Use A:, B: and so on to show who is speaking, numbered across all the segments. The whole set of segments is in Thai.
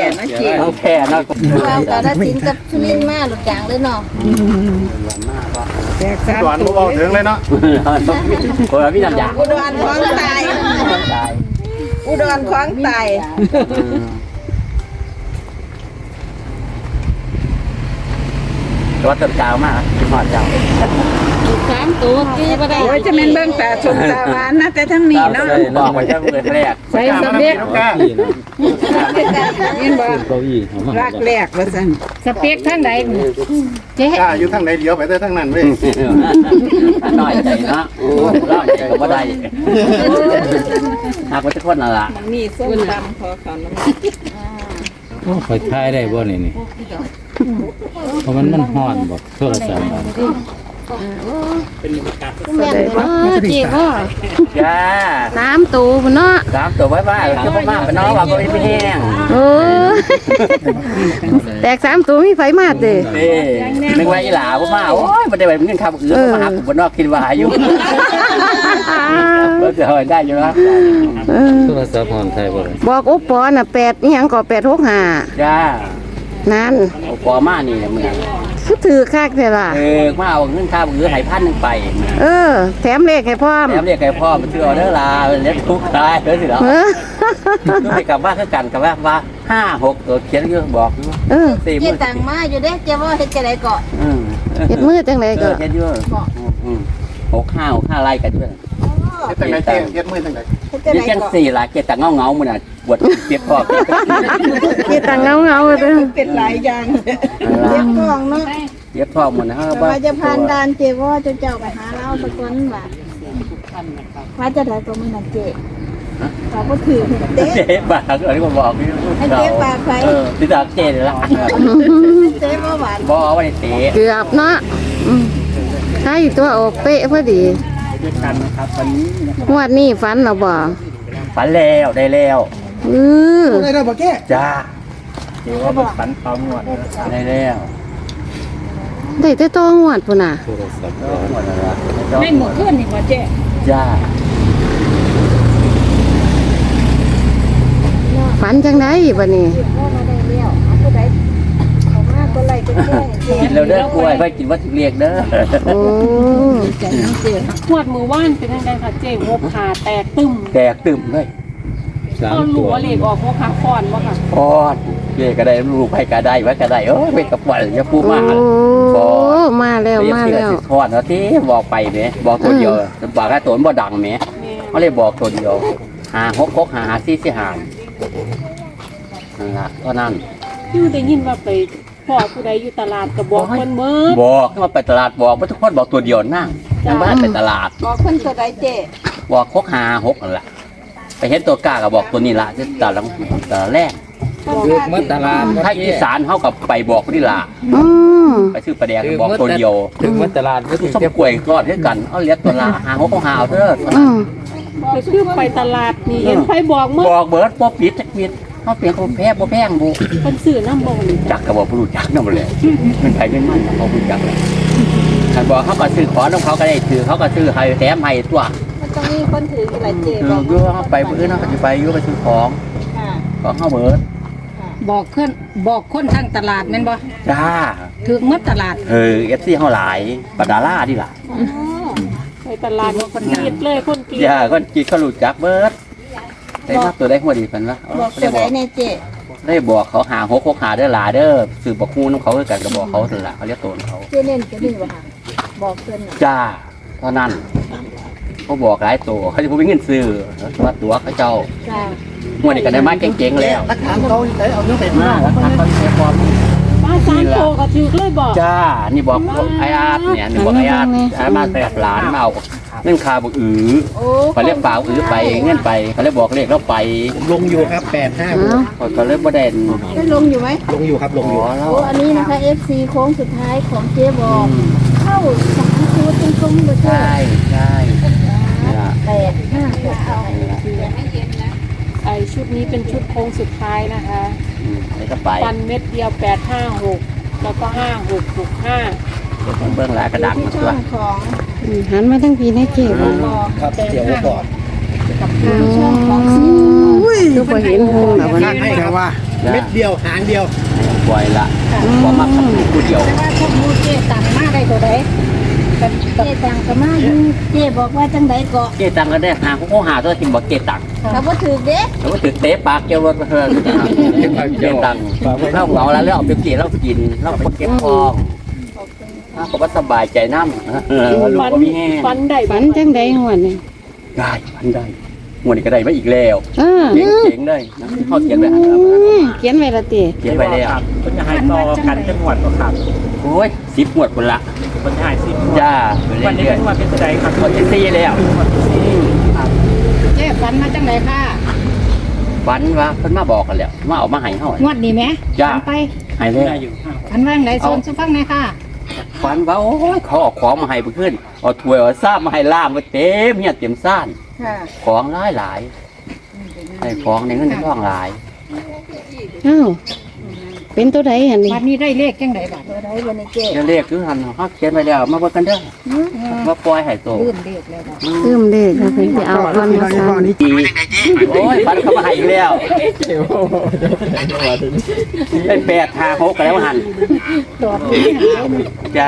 A: นะจี
B: ต้องแพ้เนาะ
C: เรากระสินกับสุนินมาหลุดจางเลยเนาะ
A: แตกสาม
D: ก่อน
A: ตัว
D: บอกถึงเลยเนาะ
B: คนละพี่น้ำยา
A: อุดรของตายอุดรของตาย
B: ตัวเติมกาวมากที่หอดเจ้า
C: 3 ตัวกี้บ่ได้
A: โอ้ยจะเป็นเบิ่งตาชมตาหวานนะแต่ทั้งนี้เนาะ
B: บอกไว้จะเปิดแรก
A: ใส่สเปก
D: ก้า
A: ยินบ่รักแรกว่าซั่น
C: สเปกทางใดเจ๊
D: ก้าอยู่ทางไหนเดียวไปแต่ทางนั้นเว้ย
B: น้อยใจนะร้อนใจก็บ่ได้หากว่าจะคนน่ะล่ะ
A: นี่ส้มตำขอเขาน้ำ
E: โอ้ข่อยทายได้บ่นี่เพราะมันฮ้อนบ่โทรศัพท์
C: แม่นบ่เจ๊บ่
B: จ้า
C: 3 ตัวพุ่นเนาะ
B: 3ตัวไว้บ้านจะบ่มาเป็นน้องว่าบ่มีแห้ง
C: โอ้แตก3 ตัวมีไฟมาเด้
B: นี่นึกว่าอีหลาบ่มาโอ้ยบ่ได้แบบเงินคำอื่นมาหาผมบ่นอกคิดว่าอยู่บ่จะหอยได้อยู่นะ
E: โทรศัพท์ฮ้อนไทยบ่
C: บอกอุปปอน่ะ8อีหยังก็865
B: จ้า
C: นั่น
B: เอาปอมานี่มึง
C: คือถือคักแท้ล่ะ
B: มาเอาเงินค่าบ่อื่นให้1,000ไป
C: แถมเลขให้พร้อม
B: แถมเรียกให้พ่อมาซื้อออเดอร์ลาเล็บทุกทายเด้อสิเหรอ
C: เออ
B: ไปกลับบ้านคือกันกับว่า5-6ตัวเขียนอยู่บอกอยู่
C: เออ
B: 4
F: เฮ็
B: มื้
F: ด
B: อ
F: ตังมาอยู่เด้เจ้าว่าเฮ็ดจังได๋ก็
C: เฮ็ดมือจังไดก็
B: เขียนอยู่6-5ไล่กันด้วย
D: เฮ็ดทางไหนเจ๊เฮ็ดมือทางไหน
F: เฮ็ดจัง
B: นี่
F: ได๋
B: จัง
F: ก็
B: 4ล่ะเกียรติเงาๆมื้อน่ะบวชเปียกพ่อ
C: เฮ็ดตังเงาเด้อ
A: เป็นหลายอย่าง
F: เจ็บท้องเนาะ
B: เปียกพ่อมื้อนะฮะ
F: แต่ว่าจะผ่านด่านเจ้ว่าเจ้าไปหาเราสักคนว่าว่าจะได้ก็มื้อนั้นเจ้เขาบ่ถือเด้
B: เจ๊บากอันนี้ก็บอกอยู่
F: ให้เจ๊บากใคร
B: ติดากเจ๊นี่ล่ะ
F: เจ๊บ่หวาน
B: บ่เอาไว้เตะ
C: เกือบเนาะใช่ตัวออกเป๊ะพอดี
B: ด้วยกันนะครับวันนี้
C: งวดนี้ฝันเหรอบ่
B: ฝันแล้วได้แล้ว
D: ได้แล้วบ่แก้
B: จ้าเดี๋ยวว่าฝันพร้อมหมดได้แล้ว
C: ได้แต่ตัวงวดพุ่นน่ะ
E: โทรศัพท์
B: หมดแล้ว
A: ไม่หมดขึ้นนี่บ่เจ๊
B: จ้า
C: ฝันจังไดบัดนี้
F: พ่อมาได้แล้วเอาผู้ใดเขามาก็ไล่ก็แจ้งเจ๊
B: กินแล้วเด้อกล้วยค่อยกินวัตถุเรียกเด้อ
C: โอ้
G: ขวดมือว่านเป็นยังไงคะเจ๊งบขาแตกตึม
B: แตกตึมเลย
G: ก็
E: 3
G: ห
E: ตั
G: ลั
E: ว
G: วเหล็กออกงบขาฟอนวะค่ะ
B: ปอดเจ๊ก็ได้ลูกไปก็ได้ไว้ก็ได้เอ้ยไปกับวันอย่าพูดมาก
C: โอ้มาแล้วมาแล้ว
B: สิทอดแล้วที่บอกไปแหมบอกตัวเดียวบอกแค่ตัวบ่ดังแหมเขาเลยบอกตัวเดียว5-6-6 5-4-4 5นั่นล่ะก็นั่น
G: คือได้ยินว่าไปพ่อผู้ใดอยู่ตลาดก็บอกคนเมื่อ
B: บอกให้มาไปตลาดบอกว่าทุกคนบอกตัวเดียวนั่งยังบ้านไปตลาด
F: บอกเพิ่นตัวใดเจ๊
B: บอก6-5-6นั่นแหละไปเห็นตัวกล้าก็บอกตัวนี้ละที่ตลาดแรก
E: คือเมื่อตลาด
B: ถ้าอีสานเขากับไปบอกนี่ละ
C: อืม
B: ไปซื้อปลาแดงบอกตัวเดียว
E: ถึงเมื่อตลาดก็
B: ทุ
E: ถึ
B: ก
E: ง
B: ส้มกล้วยก็ด้วยกันเอาเลี้ยงตัวละ5-6 5เอาเด้อ
C: อืม
G: ก็คือไปตลาดนี่เห็นไฟบอกเมื่อ
B: บอกเบิร์ดบ่ปิดจักปิดเขาเปลี่ยนเขาแพ้บ่แพงบุ
G: คนสื่อน้ำบอกนี่
B: จักก็บอกผู้รู้จักนั่นหมดเลยมันไปเป็นมันเขาผู้จักเลยคันบอกเขาก็ซื้อของของเขาก็ได้ถือเขาก็ซื้อให้แถมให้ตัว
F: มันต้องมีคนถืออยู่หลายเจ๊
B: คื
F: บ
B: อ
F: อก
B: อยู่เขาไปมื้อนั้นเขาสิไปอยู่ไปซื้อของ
F: ค่ะ
B: ของเขาเบิร์ด
A: บอกคนทางตลาดแม่นบ่
B: จ้า
A: ถึงหมดตลาด
B: FC เฮาหลายปะดาราดิล่ะ
G: ไปตลาดคนกรีดเลยคนกรีด
B: อย่าคนจีเขารู้จักเบิร์ดได้มาตัวได้หัวดีเพิ่นวะ
F: บอกตัวใดแน่เจ๊
B: ได้บอกเขา5-6 6 5เด้อหลาเด้อซื้อบักฮู้นำเขาคือกันก็บอกเขานั่นล่ะเขาเรียกตัวเขา
F: เจ๊เน้นตัวนี้บ่ค่ะบอกเพิ่นน่ะ
B: จ้าเท่านั้นเขาบอกหลายตัวเขาจะพูดเป็นเงินซื้อว่าตัวเขาเจ้า
F: จ้า
B: หัวนี่ก็ได้มาเก่งๆแล้ว
D: รักฐานเขาใช้เอาเนื้อเป็ด
B: มา
D: มา
B: แล้วทางเขาเสียความ
G: มาสามโตก็ถือเลยบอก
B: จ้านี่บอกไอ้อาร์ตเนี่ยนี่บอกไอ้อาร์ตไอ้มาแต่หลานมาเอาเงินคาบอก
F: โอ้
B: เขาเรียกเปล่าไปเงินไปเขาเลยบอกเลขแล้วไป
D: ลงอยู่ครับ8-5
B: เขาเลยบ่ได้
F: ได้ลงอยู่ไหม
D: ลงอยู่ครับลง
B: ข
D: อยู่
B: อแล้ว
F: โอ้อันนี้นะคะ FC โค้งสุดท้ายของเจ๊บอกเข้า3ชุดตรงๆบ่เจ๊
B: ใช่ใช่นี่ล่ะ
G: ไอชุดนี้เป็นชุดโค้งสุดท้ายนะคะ
B: นี่ก็ไป
G: ฟันเม็ดเดียว856แล้วก็5665
B: เบื้องหลังกระดัก
F: ที่
B: มา
F: ช่
B: ตัว
F: องของ
C: หันมาทั้งปีนะเจ๊บ่
F: บอก
D: ครับเดี๋ยวก่อน
F: ช่องของ
C: คือบ่เห็นหงแล้วบัด
D: ให้ครับว่าเม็ดเดียวหางเดียว
B: ปล่อยละบ่มาขับผู้เดียว
F: แต่ว่าพวกมูเจ๊ต่างมาได้ตัวใดกับเจ๊ต่างก็มาอยู่เจ๊บอกว่าจังไดก็
B: เจ๊ตังก็ได้หาเขาหาตัวกินบอกเจ๊ตัง
F: ถ้าบ่ถูกเด้
B: แล้วก็ถือเตะปากเกี่ยวรถมาเถอะเจ๊ตังเข้าเหงาแล้วเอาไปกินแล้วกินแล้วก็เก็บทองก็ว่าสบายใจน้ำลูกก็มีแห้ง
G: ฟันได้
C: ฝันจังใดงวดนี่
B: ได้มันได้งวดนี้ก็ได้มาอีกแล้ว
C: เออ
B: เจ๋งเลยนะเขาเขียนไว้
C: เขียนไว้ละติ
B: เขียนไว้แล้ว
D: มันจะให้ต่อกันจังหวัดก็ครับ
B: โอ้ย10งวดคนละ
D: มันจะให้สิ
B: จ้า
D: วันนี้
B: เรื่อย
D: เป็นวันเป็นใจครับ
B: ๆงวดที่4แล้ว
F: เจ๊ฝันมาจังไดค่ะ
B: ฝันว่าเพิ่นมาบอกกันแล้วมาเอามาให้เฮาง
F: วดนี้แหม
B: จ้า
F: ฝันไป
B: ให้เลย
F: ฝันว่าจังไดส่วนสุฟังหน่อยค่ะ
B: ฝันว่าโอ้ยเขาเอาของมาให้เพิ่นเอาถ้วยเอาซ่ามาให้ล่ามมาเต็มเนี่ยเต็มซ่าน
F: ค่ะ
B: ของหลายไอ้ของในเงินในทองหลาย
C: อ้าวเป็นตัวใดหั่นนี่
F: บัดนี้ได้เลขจังไดบัดตัวใดบ่ในเจ๊
B: เดี๋ยวเลขคือหันเขาเขียนไว้แล้วมาเบิ่งกันเด้อมาปล่อยให้โต
F: ลืมเลขแล้วบัด
C: ลืมเด้ค่ะเพิ่นสิเอาก่อนมาซั่น
B: อีโอ้ยฝันเขามาให้อีกแล้วเป็น856กันแล้วหัน
F: ตอบนี้หันเลย
B: จ้า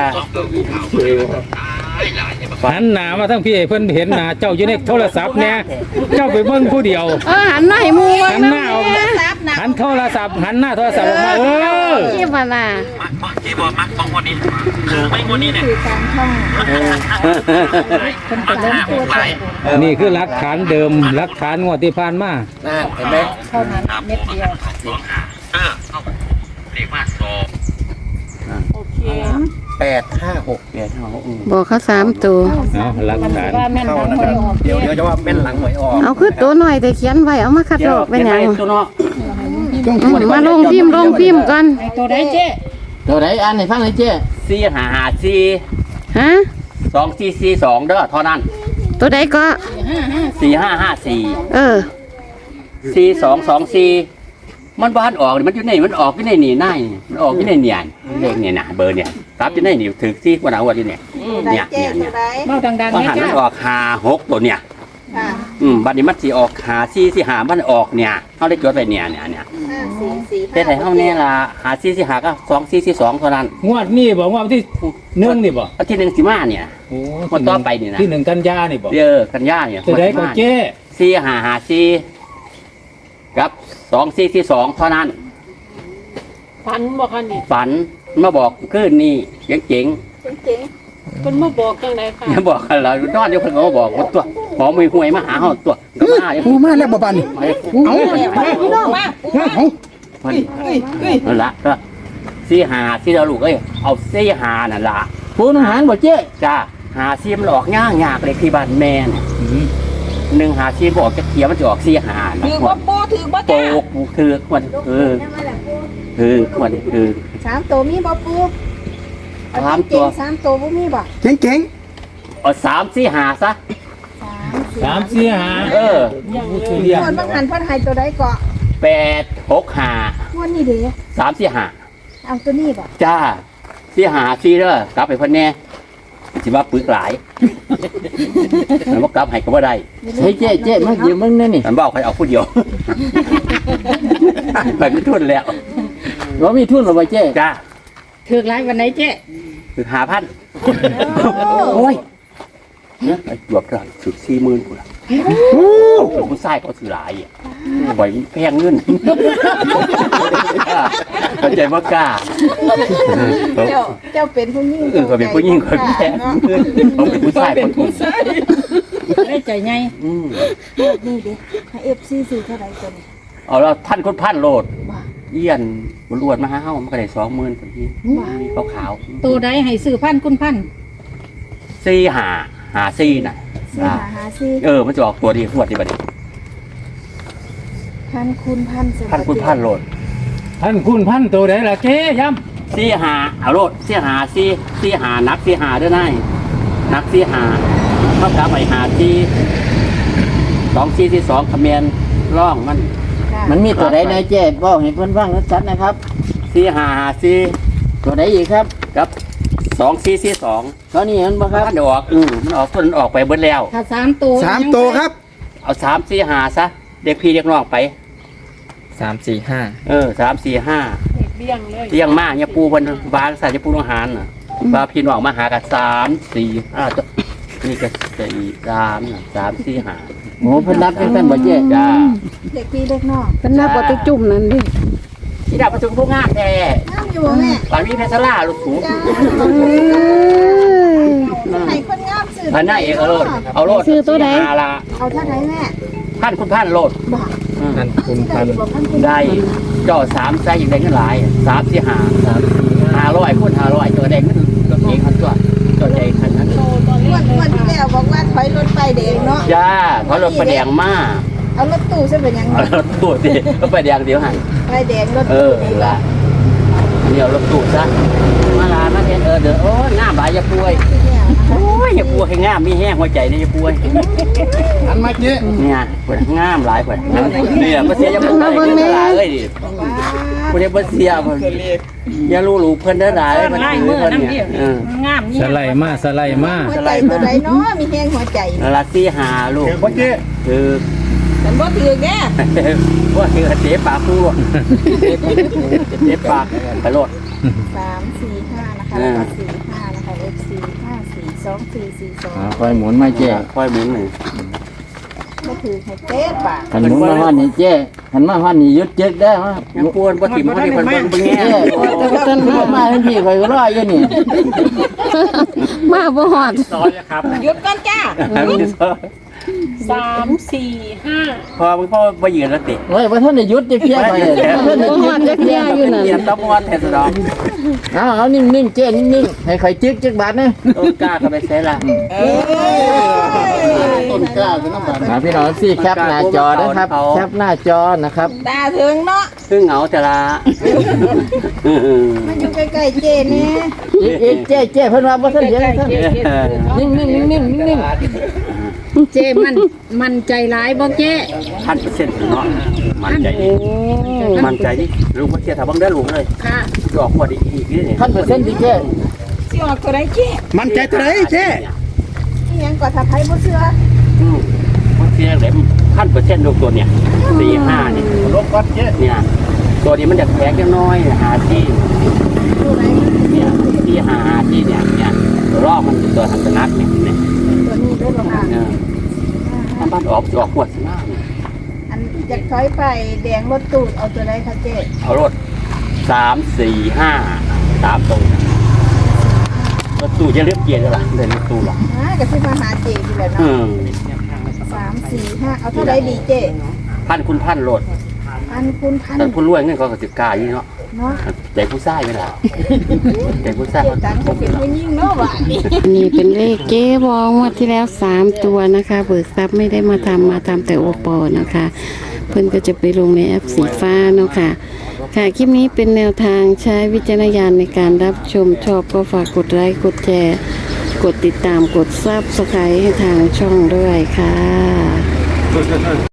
E: หันหน้ามาทั้งพี่ให้เพิ่นเห็นหน้าเจ้าอยู่ในโทรศัพท์เนี่ยเจ้าไปเบิ่งผู้เดียว
C: หันหน้าให้หมู่
E: หันหน้าออกหันโทรศัพท์หันหน้าโทรศัพท์ออกมา
C: ที่ว่าล่ะ
F: คือการท่องคนเป็นล้มตัวใจ
E: นี่คือหลักฐานเดิมหลักฐานงวดที่ผ่านมา
B: น่าเห็นไหม
F: เท่านั้นเม็ดเดียว
G: โอเค
D: 856
B: เนี่ยเขา
C: บอกเขา3ตัว
E: เอาหลักฐาน
F: ว่าแม่นหลังหวยออก
D: เดี๋ยวจะว่าเป็นหลังหวยออก
C: เอาคือตัวหน่อยแต่เขียนไว้เอามาคัดลอกเป็นหยัง
B: ตัวเนาะ
C: มาลงพิมพ์ก่อน
F: ไอ้ตัวใดเจ๊
B: ตัวไหนอันไหนฟังเลยเจ้455
C: ฮะ
B: 2442เด้อเท่านั้น
C: ตัวใดก็
B: 4554
C: เออ
B: 4224มันบ้านออกนี่มันอยู่ในมันออกอยู่ในนี่นายมันออกอยู่ในเนี่ยเลขเนี่ยนะเบอร์เนี่ยตับอยู่ในนี่ถึกที่วันเอาวันนี้เนี่ยเนี่ยเนี่ย
F: เบ้าดังๆ
B: มัน
F: แม่
B: หัน
F: จ้า
B: มันออก56ตัวเนี่ย
F: ค่ะ
B: บัดนี้มันสิออก54สิหามันออกเนี่ยเฮาได้จดไว้เนี่ยเนี่ย
F: 5 4 4
B: แต่ให้เฮาเนี่ยล่ะ54สิหาก็2442เท่านั้น
E: งวดนี้บอกว่าวันที่1นี่บ่
B: อาทิตย์นึงสิมาเนี่ย
E: โอ้
B: งวดต่อไปนี่นะ
E: ที่1กันยานี่บ่
B: เด้อกันยาเนี่ย
E: ตัวใดก็เจ้
B: 4554กับ2442เท่านั้น
G: ฟันบอกค่ะนี่
B: ฝันมาบอกคืนนี้เจ๋ง
F: เจ๋ง
G: เป็นมาบอกจังไดค่ะ
B: ๆอย่าบอกกันเรานอนเดี๋ยวเพิ่นก็มาบอกว่าตัวหมอมือหวยมาหาเฮาตัวก็มาเดี๋ยว
D: ปูมาแล้วบ่บัน
B: เฮ้ย
D: เอาพี่น้องมาเอา
B: เพิ่นนั่นล่ะก็45ที่เราลูกเอ้ยเอา45นั่นล่ะผู้นหารบ่เจ๊จ้า54มันออกยากเลยที่บ้านแม่น่ะ154บอกจะเขียมันจะออก45นะ
F: ถือบ่ปูถือบ่
B: โป
F: จ้าก
B: คือมันคือมันคือ
F: 3ตัวมีบ่ปู3ตัวบ่มีบ่
D: เจ๋ง
B: เอา3-4-5ซะ
C: 3 4
E: 3 4 5
B: เออ
E: คือเรียก
F: คนบางหันเพิ่นให้ตัวใดก็
B: 8-6-5
F: งวดนี้เด้
B: 3-4-5
F: เอาตัวนี้บ่
B: จ้า4-5-4เด้อกลับไปเพิ่นแน่สิว่าปึกหลายมันบ่กลับให้ก็บ่ได้
A: เฮ้ยเจ๊มายืมมึงนั่นนี่
B: มันบอกให้เอาผู้เดียว ไปไม่ทุนแล้ว
A: ว่ามีทุนหรือเปล่าเจ๊
B: จ้า
F: ถือหลายวันไหนเจ๊
B: คือ5,000โอ้ยเนี่ยไอ้จวบก็ถึง40,000พุ่นล่ะผู้ชายก็ซื้อหลายอ่ะปล่อยแพงเงินเข้าใจบ่กล้า
F: เจ้าเป็นผู้หญิง
B: เขาเป็นผู้หญิงคนแพ้เขาเป็นผู้ชายคนถูก
F: ได้ใจไง
B: อืม
F: นี่เด้ให้ FC ซื้อเท่าใดตัวนี้
B: เอาแล้วท่านคนพันโลดเอี้ยนบรวดมาหาเฮามันก็ได้20,000คนที่ขาว
F: ตัวใดให้ซื้อพันคุณพัน
B: ๆ4-5-4น่ะ
F: 4
B: มันจะออกตัวดีขวดดีบัดนี้
F: พันคุณพัน
B: ท่านคุณพันโลด
E: ท่านคุณพันตัวใดล่ะเจ้ย้ำ
B: 4-5เอาโลด4-5นัก4-5เด้อนายนัก4-5เท่ากับไอ้5-4 2-4-2คะแนนร่องมัน
A: มันมีตัวใดในเจ๊บอกให้เพิ่นฟังชัดๆนะครับ
B: 4-5-4
A: ตัวใดอีกครับ
B: กับ2-4-2
A: เท่านี้มันบ่ค
B: มั
A: รับ
B: นออกมันออกต้นออกไปเบิดแล้ว
F: ถ้า3ตัว
D: 3ตัวครับ
B: เอา3-4-5ซะเด็กพี่เด็กน้องไป 3 4 5
G: เบี้ยงเลย
B: เลี้ยงมาเนี่ยปูเพิ่นบางสายจะปูอาหารน่ะว่าพี่น้องมาหากัน3 4 5ตัวนี่ก็4 3น่ะ3 4 5
E: โอ้เพิ่นนับจังซั่นบ่เจ๊
B: จ้า
F: เด็กพี่เด็กน้อง
C: เป็นนับว่าไปจุ่มนั่นดิ
B: ที่ดาวประชุมผู้งามแท้
F: น้ำอยู่บ่แม่
B: ปานมีเพชรล่าลูกสูง
F: จ้า
C: เอ้ย
F: ให้คนงามซื้อ
B: พันหน้าเอกเอาโลดเอาโลด
C: ซื้อตัวใด
B: 4 5ละ
F: เอาเท่าไหร่แม่
B: พันคุณพันโลด
F: บอก
D: พันคุณ
F: ที่
D: พั
F: ได้
D: น
F: บอกพันคุณ
B: ได้เจ่อ3ใส่อีกได้เงินหลาย3 4 5 500คูณ500ตัวแดงมันตัวเองคันตัวตัวใจคันนั้น
F: วันที่แล้วบอกว่าถอยรถไปเด็กเนาะ
B: จ้าเพราะรถประแดงมา
F: เอารถตู้ใช่เป็นยังไง
B: เอารถตู้สิรถประแดงเดี๋ยวหัน
F: ไปแดงรถ
B: เอ
F: ตู้
B: อ
F: นี่
B: ละเดี๋ยวรถตู้ซะมาลามาเห็นเด้อโอ้ยงามหลายอย่าป่วย โอ้ยอย่าป่วยให้งามมีแห้งหัวใจนี่อย่าป่วย
D: อันมาเจ๊
B: เนี่ยเพิ่นงามหลายเพิ่นเนี่ยบ่เสียอย่าป่วยเอ้ยดิบ่ได้บ่เสียเพิ่นอย่ารู้ลูกเพิ่นเด้อหลายมันถือเพิ่นเนี่ยเออ
G: งามนี่
E: สไลด์มาสไลด์มา
F: หัวใจตัวไหนเนาะมีแห้งหัวใจ
B: ละสี่หาลูก
D: เดี๋ยวพ่อเจ๊
B: คือ
F: แต่บ่ถือแก
B: ว่าคือเตะปากคู่เตะปากไปโลด
F: 3-4-5นะคะแล้วก็4-5นะคะ FC 5-4-2-4-4-2
E: ค่อยหมุนมาเจ๊
B: ค่อยหมุนหนึ่ง
F: บ่ถือให้เต๊ดบาท
E: คันหมุนมาฮอดนี่เจ๊คันมาฮอดนี่หยุดจึกได้ฮะ
B: ยังปวนบ่ถิ่มบ่ได้เพิ่นเบิ่งแง่
E: เจ๊ต้นมาให้พี่ข่อยก็รออยู่นี่
C: มาบ่ฮอด
B: ซอยครับ
F: หยุดก่อนจ้า
G: 3 4 5
B: พอมึงพ่อบ่ยืนแล้วติ
E: เฮ้ยบ่ทันได้หยุดจะเพี้ยไปบ่ทันได้
C: บ่ฮอดจักเที่ยอยู่นั่น
B: เตรียมตะมอนแทนสดอง
E: เอานิ่งๆเจ๊นิ่งๆให้ข่อยจึกจักบาทนะ
B: ต้นกล้าก็ไปใส่ละ
D: ต้นกล้าเป็นน้ำมัน
E: พี่น้องสิแคปหน้าจอนะครับแคปหน้าจอนะครับ
F: ตาถึงเนาะ
B: คือเหงาแต่ละ
F: มันอยู่ใกล้ๆเจนี่
E: อีกเจ๊เพิ่นว่าบ่ทันเห็นท่านนิ่งๆนิ่งๆนิ่ง
C: เจ้มันใจร้ายบ่เจ้
B: 1,000%เนาะมันใจดิมันใจดิลูกบ่เสียถ้าบังเด้อลูกเลย
C: ค่ะ
B: ดอกบ่ดีอีกนี่
E: 1,000%ดิเจ๊
F: สิออกตัวไหนเจ
D: มันใจตัวไหนเจ๊
F: อีหยังก็ถ้าไผบ่เชื่อ
B: มันเสียเลย1,000%ลูกตัวเนี่ย4-5นี่
D: ลบวัดเจ๊
B: เนี่ยตัวนี้มันจะแพงจังน้อยหาที่
F: ตัวไหน
B: เนี่ยที่หาที่เนี่ยรอบมันตัวหันตนักเนี่ย
F: ตัวนี้ด้วยบ่ค่ะ
B: ถ้าบ้านออกขวดหน้า
F: อันอยากถอยไปแดงรถตู้เอาตัวไหนคะเจ
B: เอารถ3-4-5 3ตรงรถตู้จะเรียบเกียร์แล้วล่ะเดินรถตู้หรอก
F: ก็สิมาหาเจอยู่แล้วเนาะ3-4-5เอาเท่าไหร่ดีเจ
B: พันคุณพันรถ
F: พันคูณพัน
B: แต่ผู้รวยเงินเขาก็สิกล้าอยู่เนาะ
F: เนาะ
B: ใจผู้ชายไหมล่ะใจผู้ชาย
F: เจตังค์ก็เป็นผู้หญิงเนาะว่านี่
C: นี่เป็นเลขเจ๊บองงวดที่แล้ว3ตัวนะคะ เบิกทรัพย์ไม่ได้มาทำแต่โอปอนะคะ เพิ่นก็จะไปลงในแอปสีฟ้าเนาะค่ะ ค่ะคลิปนี้เป็นแนวทางใช้วิจารณญาณในการรับชมชอบก็ฝากกดไลค์กดแชร์กดติดตามกดซับสไครต์ให้ทางช่องด้วยค่ะ